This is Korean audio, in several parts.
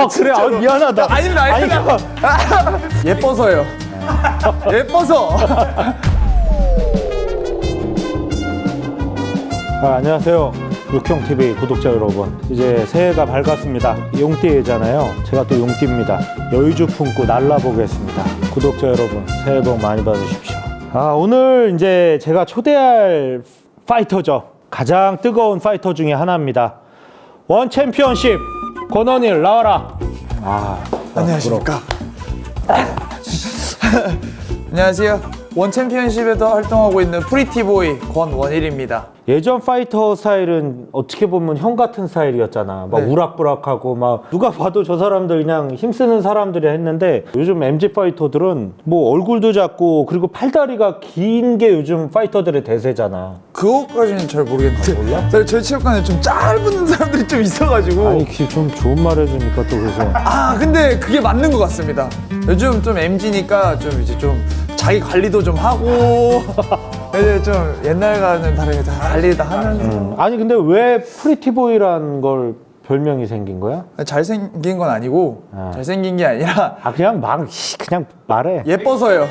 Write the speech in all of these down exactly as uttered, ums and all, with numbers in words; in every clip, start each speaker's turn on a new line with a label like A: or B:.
A: 아 그래? 아 미안하다.
B: 아닙니다, 아닙니다. 아니, 예뻐서요. 예뻐서.
A: 아, 안녕하세요. 육형티비 구독자 여러분, 이제 새해가 밝았습니다. 용띠잖아요. 제가 또 용띠입니다. 여유주 품고 날라보겠습니다. 구독자 여러분, 새해 복 많이 받으십시오. 아, 오늘 이제 제가 초대할 파이터죠. 가장 뜨거운 파이터 중에 하나입니다. 원 챔피언십 권원일 나와라. 아,
B: 안녕하십니까. 안녕하세요. 원 챔피언십에서 활동하고 있는 프리티보이 권원일입니다.
A: 예전 파이터 스타일은 어떻게 보면 형 같은 스타일이었잖아. 막
B: 네.
A: 우락부락하고 막 누가 봐도 저 사람들 그냥 힘쓰는 사람들이 했는데, 요즘 엠지 파이터들은 뭐 얼굴도 작고 그리고 팔다리가 긴 게 요즘 파이터들의 대세잖아.
B: 그거까지는 잘 모르겠는데.
A: 아, 몰라?
B: 저희, 저희 체육관에 좀 짧은 사람들이 좀 있어가지고.
A: 아니 그 좀 좋은 말 해주니까 또 그래서
B: 아 근데 그게 맞는 것 같습니다. 요즘 좀 엠지니까 좀 이제 좀 자기 관리도 좀 하고 이제 좀 옛날과는 다르게 다 관리 다 하면서.
A: 음. 아니 근데 왜 프리티보이란 걸 별명이 생긴 거야?
B: 잘생긴 건 아니고
A: 아.
B: 잘생긴 게 아니라
A: 아 그냥 막 씨, 그냥 말해.
B: 예뻐서요.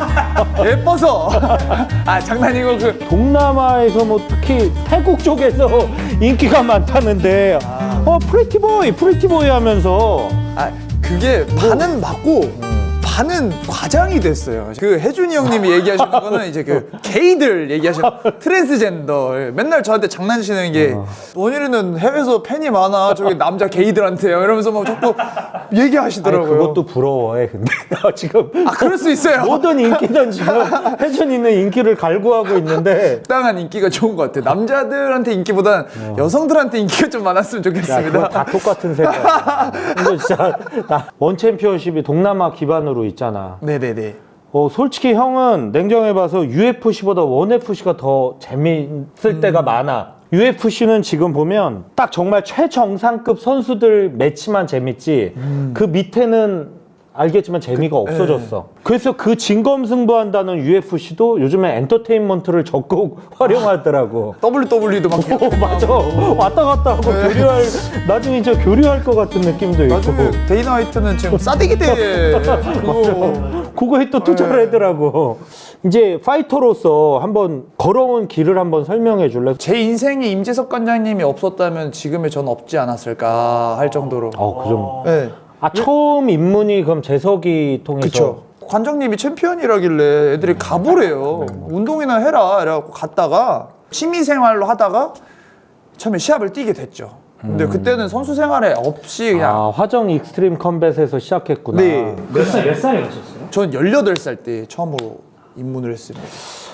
B: 예뻐서. 아 장난이고 그
A: 동남아에서 뭐 특히 태국 쪽에서 인기가 많다는데 어 프리티보이 프리티보이 하면서
B: 아 그게 반은 맞고 반은 과장이 됐어요. 그 혜준이 형님이 얘기하시는 거는 이제 그 게이들 얘기하시는 트랜스젠더. 맨날 저한테 장난치는 게 원일이는 해외에서 팬이 많아 저기 남자 게이들한테요 이러면서 막 자꾸
A: 아니,
B: 얘기하시더라고요.
A: 그것도 부러워해 근데 지금
B: 아 그럴 수 있어요.
A: 모든 인기는 지금 혜준이는 인기를 갈구하고 있는데
B: 적당한 인기가 좋은 것 같아요. 남자들한테 인기보단 여성들한테 인기가 좀 많았으면
A: 야,
B: 좋겠습니다.
A: 그거 다 똑같은 생각이야. 근데 진짜 나 원 챔피언십이 동남아 기반으로 있잖아.
B: 네네네.
A: 어, 솔직히 형은 냉정해봐서 유에프씨보다 원에프씨가 더 재미있을 때가 많아. 유에프씨는 지금 보면 딱 정말 최정상급 선수들 매치만 재밌지 그 밑에는 알겠지만 재미가 없어졌어. 그래서 그 진검승부한다는 유에프씨도 요즘에 엔터테인먼트를 적극 활용하더라고.
B: 더블유더블유이도 막
A: 어, 맞아. 왔다 갔다 하고 교류할, 나중에 이제 교류할 것 같은 느낌도 있고.
B: 나중에 데이나 화이트는 지금 싸대기 대회 그거
A: 그거에 또 투자를 하더라고. 이제 파이터로서 한번 걸어온 길을 한번 설명해 줄래?
B: 제 인생에 임재석 관장님이 없었다면 지금의 전 없지 않았을까 할 정도로.
A: 어, 그 좀.
B: 네.
A: 아, 처음 입문이 그럼 재석이 통해서.
B: 그쵸. 관장님이 챔피언이라길래 애들이 가보래요. 운동이나 해라. 이래갖고 갔다가 취미생활로 하다가 처음에 시합을 뛰게 됐죠. 근데 그때는 선수 생활에 없이 그냥.
A: 아, 화정 익스트림 컴뱃에서 시작했구나.
B: 네.
C: 몇 살, 몇 살에 가셨어요?
B: 전 열여덟 살 때 처음으로 입문을 했습니다.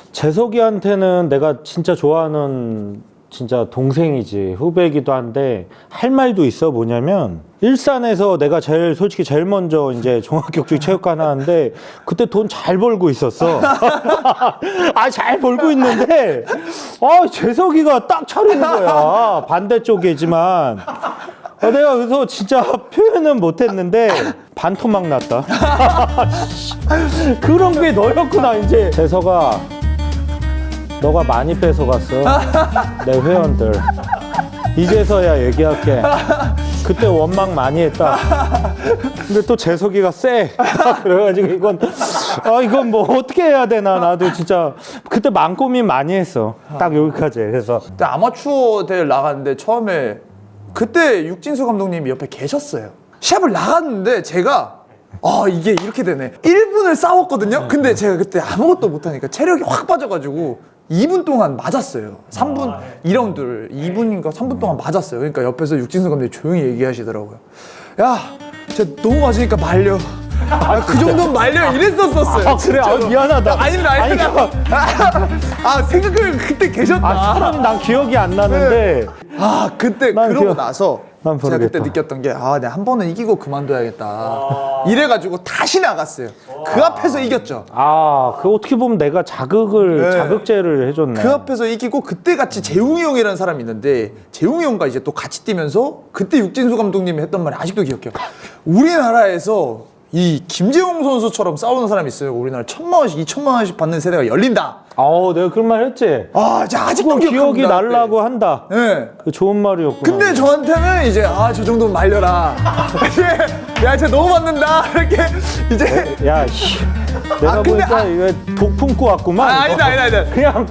A: 재석이한테는 내가 진짜 좋아하는 진짜 동생이지, 후배이기도 한데 할 말도 있어. 뭐냐면 일산에서 내가 제일 솔직히 제일 먼저 이제 종합격투기 체육관 하는데 그때 돈 잘 벌고 있었어. 아, 잘 벌고 있는데 아, 재석이가 딱 차리는 거야. 반대쪽이지만 아, 내가 그래서 진짜 표현은 못했는데 반토막 났다. 그런 게 너였구나. 이제 재석아, 너가 많이 뺏어갔어. 내 회원들. 이제서야 얘기할게. 그때 원망 많이 했다. 근데 또 재석이가 쎄. 그래가지고 이건 아 이건 뭐 어떻게 해야 되나. 나도 진짜 그때 마음 고민 많이 했어. 딱 여기까지. 그래서
B: 그때 아마추어 대회 나갔는데 처음에 그때 육진수 감독님이 옆에 계셨어요. 시합을 나갔는데 제가 아 이게 이렇게 되네. 일 분을 싸웠거든요. 근데 제가 그때 아무것도 못하니까 체력이 확 빠져가지고 이 분 동안 맞았어요. 삼 분 이 라운드를 이 분인가 삼 분 동안 맞았어요. 그러니까 옆에서 육진수 감독님이 조용히 얘기하시더라고요. 야, 진짜 너무 맞으니까 말려. 아, 그 정도는 말려 이랬었었어요.
A: 아 그래? 아 미안하다.
B: 아닙니다, 아닙니다. 아, 아 생각을 그때 계셨다.
A: 아 사람이 난 기억이 안 나는데
B: 아 그때
A: 난
B: 그러고
A: 기억-
B: 나서
A: 난
B: 제가 그때
A: 모르겠다.
B: 느꼈던 게 아 내가 한 번은 이기고 그만둬야겠다 이래가지고 다시 나갔어요. 그 앞에서 이겼죠.
A: 아, 그 어떻게 보면 내가 자극을
B: 네.
A: 자극제를 해줬네.
B: 그 앞에서 이기고 그때 같이 재웅이 형이라는 사람이 있는데 재웅이 형과 이제 또 같이 뛰면서 그때 육진수 감독님이 했던 말이 아직도 기억해요. 우리나라에서 이 김재홍 선수처럼 싸우는 사람이 있어요. 우리나라 천만 원씩 이천만 원씩 받는 세대가 열린다.
A: 어, 내가 그런 말 했지.
B: 아, 진짜 아직도
A: 그거 기억이
B: 기억합니다,
A: 날라고
B: 그때.
A: 한다.
B: 네.
A: 그 좋은 말이었구나.
B: 근데 저한테는 이제 아, 저 정도는 말려라. 이제 야, 쟤 너무 맞는다. 이렇게 이제
A: 야, 씨. 내가
B: 아, 근데
A: 보니까
B: 아-
A: 이거 독 품고 왔구만.
B: 아, 아니다, 아니다, 아니다.
A: 그냥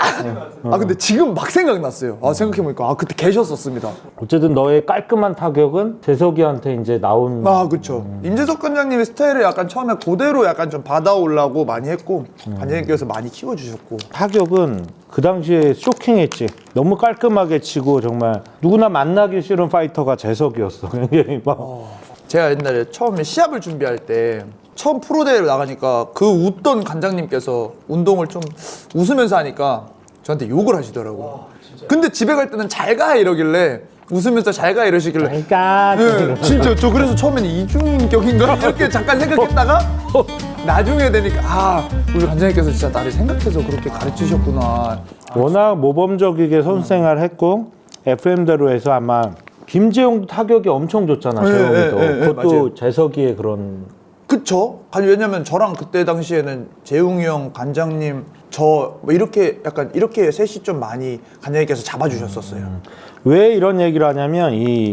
B: 아, 근데 지금 막 생각났어요. 아, 생각해보니까 아, 그때 계셨었습니다.
A: 어쨌든 너의 깔끔한 타격은 재석이한테 이제 나온.
B: 아, 그쵸. 임재석 관장님의 스타일을 약간 처음에 그대로 약간 좀 받아오려고 많이 했고, 관장님께서 많이 키워주셨고.
A: 타격은 그 당시에 쇼킹했지. 너무 깔끔하게 치고 정말 누구나 만나기 싫은 파이터가 재석이었어. 그냥 막.
B: 제가 옛날에 처음에 시합을 준비할 때 처음 프로대회를 나가니까 그 웃던 관장님께서 운동을 좀 웃으면서 하니까 저한테 욕을 하시더라고요. 근데 집에 갈 때는 잘 가 이러길래 웃으면서 잘 가 이러시길래
A: 그러니까
B: 네, 진짜 저 그래서 처음에는 이중격인가 이렇게 잠깐 생각했다가 나중에 되니까 아, 우리 관장님께서 진짜 나를 생각해서 그렇게 가르치셨구나.
A: 워낙 모범적이게 선생활 했고 에프엠대로 해서 아마 김재용도 타격이 엄청 좋잖아.
B: 네,
A: 재용이도.
B: 네, 네, 네,
A: 그것도
B: 맞아요.
A: 재석이의 그런.
B: 그쵸? 아니 왜냐면 저랑 그때 당시에는 재웅이 형, 관장님, 저 뭐 이렇게 약간 이렇게 셋이 좀 많이 관장님께서 잡아주셨었어요.
A: 왜 이런 얘기를 하냐면 이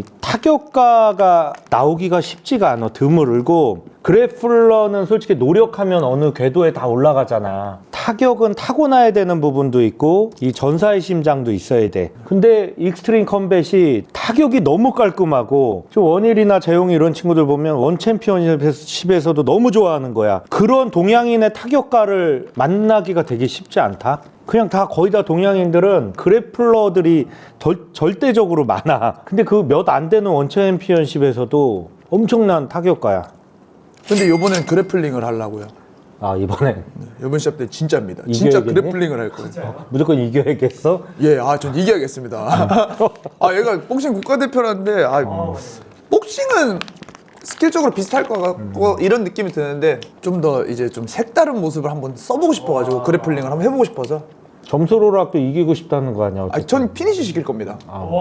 A: 타격가가 나오기가 쉽지가 않아. 드물고 그래플러는 솔직히 노력하면 어느 궤도에 다 올라가잖아. 타격은 타고나야 되는 부분도 있고 이 전사의 심장도 있어야 돼. 근데 익스트림 컴뱃이 타격이 너무 깔끔하고 좀 원일이나 재용이 이런 친구들 보면 원 챔피언십에서도 너무 좋아하는 거야. 그런 동양인의 타격가를 만나기가 되게 쉽지 않다. 그냥 다 거의 다 동양인들은 그래플러들이 덜, 절대적으로 많아. 근데 그 몇 안 되는 원 챔피언십에서도 엄청난 타격가야.
B: 근데 요번엔 그래플링을 하려고요.
A: 아, 이번엔
B: 요번 시합 때 진짜입니다. 진짜
A: 이겨야겠네?
B: 그래플링을 할 거예요.
A: 무조건 이겨야겠어?
B: 예, 아, 전 이겨야겠습니다. 아, 얘가 복싱 국가대표라는데, 아, 복싱은 스킬적으로 비슷할 것 같고 이런 느낌이 드는데 좀 더 이제 좀 색다른 모습을 한번 써보고 싶어가지고 그래플링을 한번 해보고 싶어서.
A: 점수로라도 이기고 싶다는 거 아니야?
B: 아, 전 피니시 시킬 겁니다.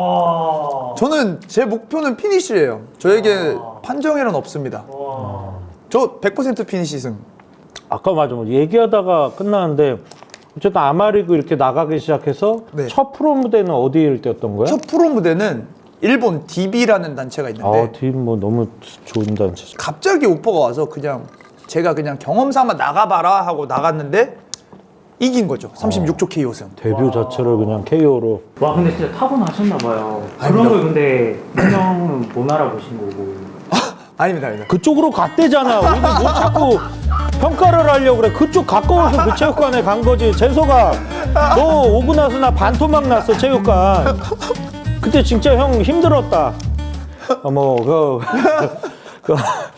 C: 와.
B: 저는 제 목표는 피니시예요. 저에게 판정에는 없습니다. 저 백 퍼센트 피니시 승.
A: 아까 맞아, 뭐 얘기하다가 끝나는데 어쨌든 아마리그 이렇게 나가기 시작해서
B: 네.
A: 첫 프로 무대는 어디일 때였던 거야?
B: 첫 프로 무대는 일본 디비라는 단체가 있는데
A: 아, 팀 뭐 너무 좋은 단체죠.
B: 갑자기 오퍼가 와서 그냥 제가 그냥 경험삼아 나가봐라 하고 나갔는데 이긴 거죠. 삼십육 초 케이오 승.
A: 데뷔 자체를 그냥 케이오로.
C: 와 근데 진짜 타고나셨나 봐요.
B: 아닙니다.
C: 그런 걸 근데 분명 못 알아보신 거고.
B: 아닙니다, 아닙니다.
A: 그쪽으로 갔대잖아. 우리는 뭐 자꾸 평가를 하려고 그래. 그쪽 가까워서 그 체육관에 간 거지. 재석아, 너 오고 나서 나 반토막 났어, 체육관. 그때 진짜 형 힘들었다. 어, 뭐, 그, 그,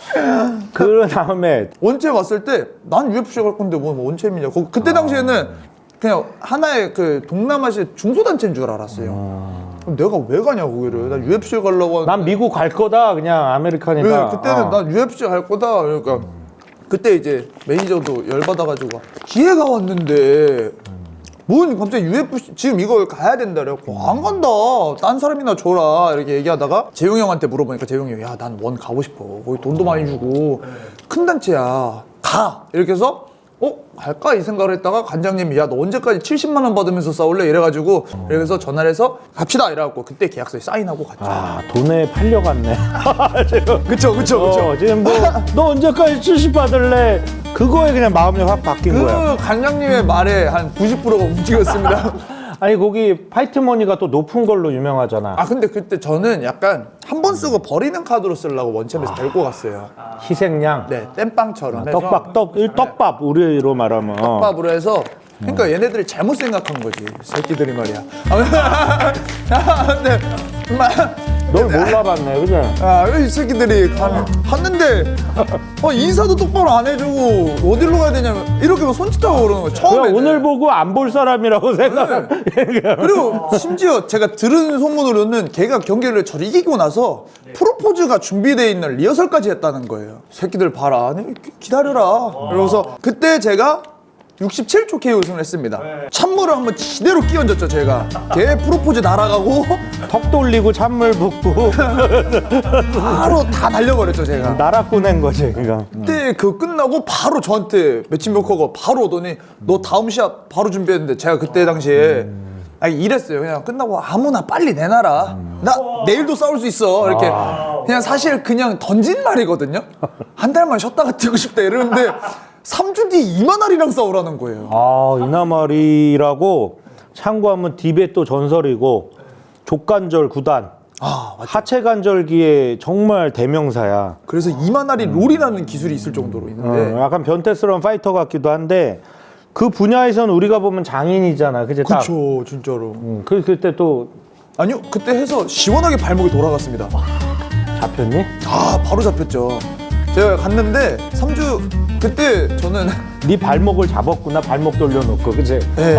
A: 그 다음에
B: 원체 왔을 때 난 유에프씨 갈 건데 뭐 원체미냐. 거- 그때 당시에는 그냥 하나의 그 동남아시아 중소단체인 줄 알았어요. 그럼 내가 왜 가냐 거기를. 난 유에프씨 가려고 하는데
A: 난 미국 갈 거다. 그냥 아메리칸이다.
B: 네, 그때는
A: 어.
B: 난 유에프씨 갈 거다. 그러니까 그때 이제 매니저도 열받아가지고 기회가 왔는데 뭔 갑자기 유에프씨 지금 이걸 가야 된다 그래갖고 안 간다. 딴 사람이나 줘라 이렇게 얘기하다가 재용이 형한테 물어보니까 재용이 형이 야 난 원 가고 싶어. 거기 돈도 많이 주고 큰 단체야. 가. 이렇게 해서 어? 갈까? 이 생각을 했다가 관장님이 야 너 언제까지 칠십만 원 받으면서 싸울래? 이래가지고 그래서 전화를 해서 갑시다 이래갖고 그때 계약서에 사인하고 갔죠.
A: 아, 돈에 팔려갔네. 지금.
B: 그쵸 그쵸 그쵸.
A: 어, 지금 뭐, 너 언제까지 칠십 받을래? 그거에 그냥 마음이 확 바뀐 거야.
B: 그 관장님의 말에 한 구십 퍼센트가 움직였습니다.
A: 아니, 거기 파이트머니가 또 높은 걸로 유명하잖아.
B: 아 근데 그때 저는 약간 한 번 쓰고 버리는 카드로 쓰려고 원챔에서 데리고 갔어요.
A: 희생양.
B: 네, 땜빵처럼 해서
A: 떡밥, 떡, 일 떡밥, 우리로 말하면.
B: 떡밥으로 해서 그러니까 얘네들이 잘못 생각한 거지 새끼들이 말이야. 아, 근데 막
A: 널 몰라봤네, 그죠?
B: 아, 이 새끼들이 가, 갔는데 어, 인사도 똑바로 안 해주고 어디로 가야 되냐면 이렇게 막 손짓하고 그러는 거야.
A: 그냥
B: 처음에
A: 오늘 보고 안 볼 사람이라고 생각.
B: 그리고 심지어 제가 들은 소문으로는 걔가 경기를 저를 이기고 나서 프로포즈가 준비되어 있는 리허설까지 했다는 거예요. 새끼들 봐라. 아니, 기- 기다려라. 이러면서 그때 제가 육십칠 초 케이오 우승을 했습니다. 찬물을 한번 지대로 끼얹었죠 제가. 걔 프로포즈 날아가고
A: 턱 돌리고 찬물 붓고
B: 바로 다 날려버렸죠 제가.
A: 나라 꺼낸 거지 그러니까.
B: 그때 그 끝나고 바로 저한테 매칭 메이커가 바로 오더니 너 다음 시합 바로 준비했는데 제가 그때 당시에 아니 이랬어요. 그냥 끝나고 아무나 빨리 내놔라. 나 내일도 싸울 수 있어. 이렇게 그냥 사실 그냥 던진 말이거든요. 한 달만 쉬었다가 뛰고 싶다 이러는데 삼 주 뒤에 이만할이랑 싸우라는 거예요.
A: 아 이나말이라고 참고하면 디베또 전설이고 족관절 구단
B: 아 맞죠.
A: 하체 관절기의 정말 대명사야.
B: 그래서 이만할이 롤이라는 기술이 있을 정도로 있는데
A: 어, 약간 변태스러운 파이터 같기도 한데 그 분야에서는 우리가 보면 장인이잖아. 그치? 딱.
B: 그쵸 진짜로.
A: 음, 그 그때 또
B: 아니요 그때 해서 시원하게 발목이 돌아갔습니다.
A: 잡혔니?
B: 아 바로 잡혔죠. 제가 갔는데 삼 주 그때 저는
A: 네 발목을 잡았구나. 발목 돌려놓고 그치?
B: 네.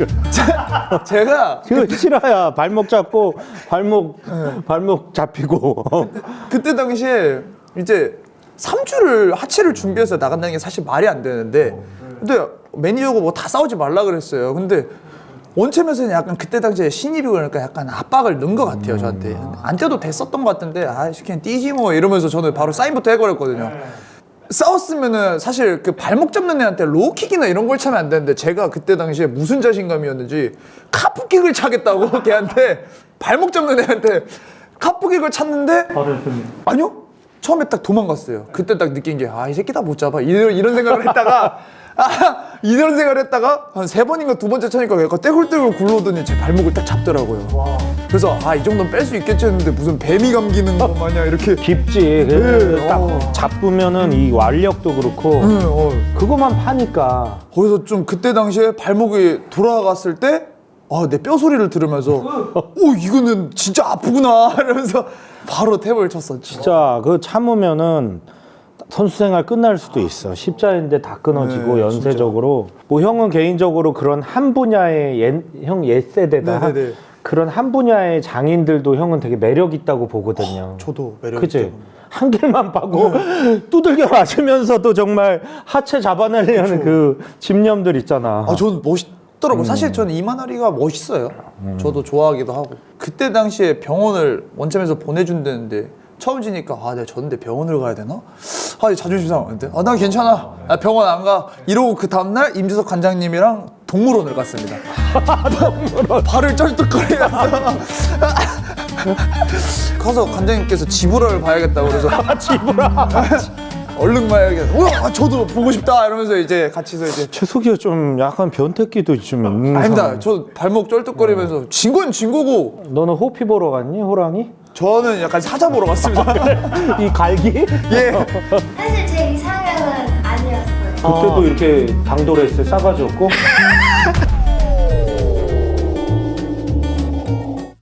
B: 제가
A: 그거 싫어야. 발목 잡고 발목 발목 잡히고.
B: 그때 당시에 이제 삼 주를 하체를 준비해서 나간다는 게 사실 말이 안 되는데 근데 매니저가 뭐 다 싸우지 말라 그랬어요. 근데 원챔에서는 약간 그때 당시에 신입이고 그러니까 약간 압박을 넣은 것 같아요 저한테. 안 뛰어도 됐었던 것 같은데 아 그냥 뛰지 뭐 이러면서 저는 바로 사인부터 해버렸거든요. 싸웠으면은 사실 그 발목 잡는 애한테 로우킥이나 이런 걸 차면 안 되는데 제가 그때 당시에 무슨 자신감이었는지 카프킥을 차겠다고 걔한테 발목 잡는 애한테 카프킥을 찼는데
C: 바로 좀
B: 아니요 처음에 딱 도망갔어요. 그때 딱 느낀 게 아 이 새끼 다 못 잡아 이런, 이런 생각을 했다가 아 이런 생각을 했다가 한 세 번인가 두 번째 차니까 약간 떼굴떼굴 굴러오더니 제 발목을 딱 잡더라고요.
C: 와.
B: 그래서 아 이 정도는 뺄 수 있겠지 했는데 무슨 뱀이 감기는 거 마냥 이렇게
A: 깊지. 그래서
B: 네,
A: 딱
B: 어.
A: 잡으면은 이 완력도 그렇고
B: 네, 어.
A: 그거만 파니까.
B: 거기서 좀 그때 당시에 발목이 돌아갔을 때 아, 내 뼈 소리를 들으면서 오 이거는 진짜 아프구나 이러면서 바로 탭을 쳤었지.
A: 진짜 그 참으면은 선수 생활 끝날 수도 있어. 십자인데 다 끊어지고
B: 네,
A: 연쇄적으로. 뭐 형은 개인적으로 그런 한 분야의 옛, 형 옛 세대다.
B: 네, 네, 네.
A: 그런 한 분야의 장인들도 형은 되게 매력 있다고 보거든요.
B: 저도 매력
A: 그치?
B: 있죠.
A: 한 길만 파고 두들겨 맞으면서도 정말 하체 잡아내려는 그 집념들 있잖아.
B: 아, 전 멋있더라고요. 사실 저는 이만하리가 멋있어요. 저도 좋아하기도 하고. 그때 당시에 병원을 원점에서 보내준다는데 처음 지니까 아, 내가 졌는데 병원을 가야 되나? 아, 자존심 상하는데. 아, 난 괜찮아. 아, 병원 안 가. 이러고 그 다음날 임지석 관장님이랑 동물원을 갔습니다. 동물원. 발을 쩔뚝거리면서 가서 관장님께서 지브라를 봐야겠다고 그래서
A: 지브라.
B: 얼른 봐야겠다. 우와, 아, 저도 보고 싶다 이러면서 이제 같이서 이제
A: 최석이가 좀 약간 변태기도 좀 있는
B: 아닙니다.
A: 사람.
B: 저 발목 쩔뚝거리면서 진 건 진 거고
A: 너는 호피 보러 갔니? 호랑이?
B: 저는 약간 사자 보러 갔습니다.
A: 이 갈기?
B: 예.
D: 사실 제 이상형은 아니었어요.
A: 그때도 이렇게 당돌했을 싸가지 없고